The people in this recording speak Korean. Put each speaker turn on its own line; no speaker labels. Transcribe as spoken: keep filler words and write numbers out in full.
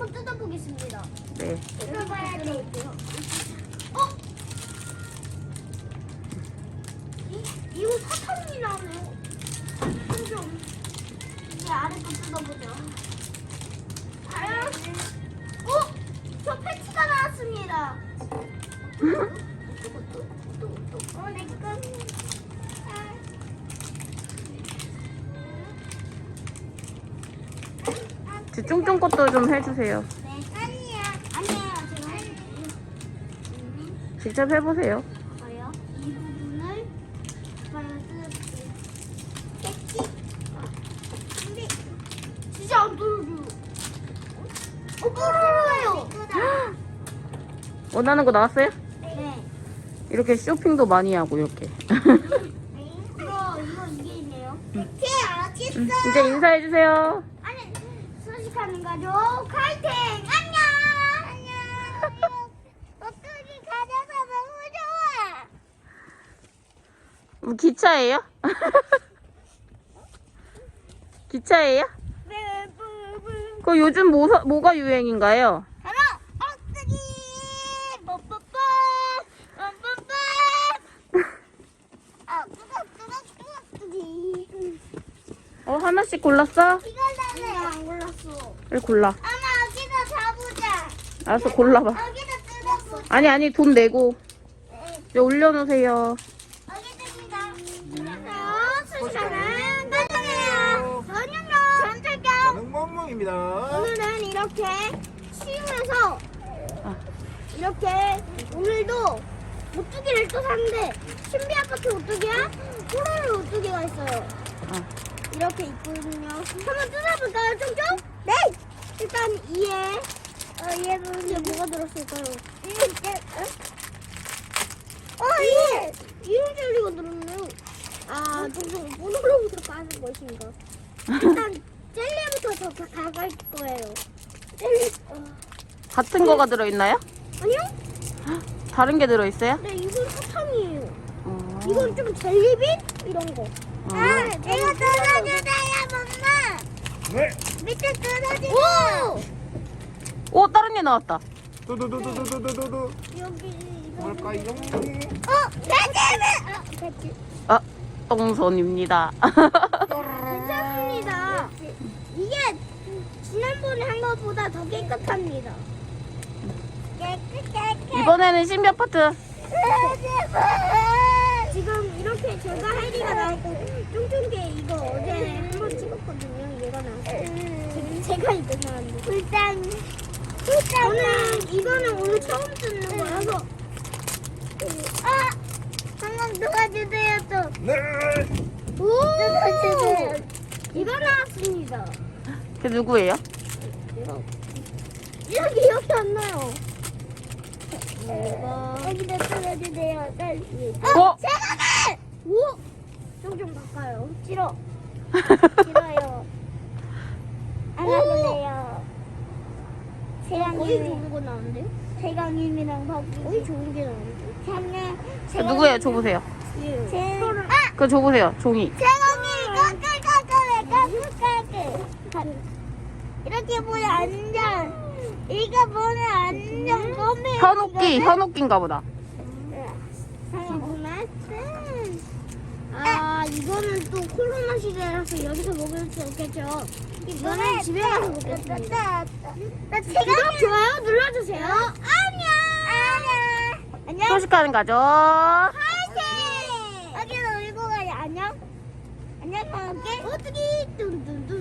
한번 뜯어보겠습니다.
네.
뜯어봐야 돼. 어? 이, 이거 사탕이 나오네요. 좀 이제 아래 거 뜯어보죠. 과연? 어? 저 패치가 나왔습니다. 어, 내 거.
제 쫑쫑 것도 좀 해주세요.
네, 아니야. 아니에요. 제가 할게요.
직접 해보세요.
봐요. 이 부분을 봐요. 뜯어볼게요. 패치. 근데 진짜 안 뚫어줘요. 어, 뚫어요.
원하는 거 나왔어요?
네.
이렇게 쇼핑도 많이 하고 이렇게.
이거 이거 이게 있네요. 패치 어딨어?
음, 이제 인사해주세요.
아니, 소식하는 가족 화이팅! 안녕! 안녕! 어떻게 가져서 너무 좋아!
뭐 기차예요? 기차예요?
네, 뿌뿌.
그 요즘 뭐, 사- 뭐가 유행인가요?
바로 엉뜨기! 뽀뽀뽀! 뽀뽀뽀! 아, 뜨거, 뜨거, 뜨거, 뜨기.
어 하나씩 골랐어?
이걸 나는 안 골랐어.
그래 골라.
엄마, 여기다 잡으자.
알았어 골라봐.
여기다 뜯어보자.
아니 아니 돈 내고
네.
여기 올려놓으세요.
알겠습니다. 안녕하세요. 소식하는 가족이에요. 저는요. 전철병.
저는 멍멍입니다.
오늘은 이렇게 쉬우면서
아.
이렇게 오늘도 오뚜기를 또 샀는데 신비 아파트 오뚜기랑 호로로 오뚜기가 있어요.
아.
이렇게 있거든요. 한번 뜯어볼까요, 쫑쫑? 네. 일단 이에 어, 얘는 이게 뭐가 들었을까요? 이게 어? 어, 이게 이런 젤리가 들었네요. 아, 쫑쫑 뽀로로부터 까는 것인가? 일단 젤리부터 더 가갈 거예요. 젤리. 어.
같은 거가 들어있나요?
아니요?
다른 게 들어있어요?
네, 이건 사탕이에요.
어.
이건 좀 젤리빛 이런 거.
어.
아, 이거 뜯어주세요, 엄마.
네.
밑에 뜯어주세요.
오 다른 게 나왔다.
두두두두두두두두.
여기 이거.
뭘까요?
어, 배지는. 아, 배지.
아 똥손입니다.
괜찮습니다. 이게 지난번에 한 것보다 더 깨끗합니다. 깨끗깨끗.
이번에는 신비 아파트.
지금 이렇게 제가 할 리가 나왔고 쫑쫑게 이거 어제 한번 찍었거든요. 얘가 나왔어요. 지금 제가 이거 나왔는데. 불쌍. 저는 이거는 오늘 처음 듣는 거라서. 아! 한번 도와주세요 또.
네.
오! 도와주세요. 이거 나왔습니다.
그 누구예요?
이거 기억이 안 나요. 이거 여기다 뜯어주세요.
어?
세상에! 오! 좀좀 바꿔요. 싫어. 싫어요. 안 할래요. 거의 좋은 거 나오는데? 세강님이랑 바꾸고 거의 좋은 게 나오는데? 저는
그 누구예요? 줘보세요.
제... 아!
그거 줘보세요. 종이.
세강님 까끌까끌까끌까끌 이렇게 보면 안전. 이거 보면 안전 검해.
현옥기 현옥기인가 보다.
아, 이거는 또 코로나 시대라서 여기서 먹을 수 없겠죠. 이거는 집에 가서 먹겠습니다. 구독, 좋아요 눌러주세요. 안녕. 안녕. 안녕.
소식하는 가족.
화이팅. 여기서 울고 가요. 안녕. 안녕. 어떻게? 뚱뚱뚱.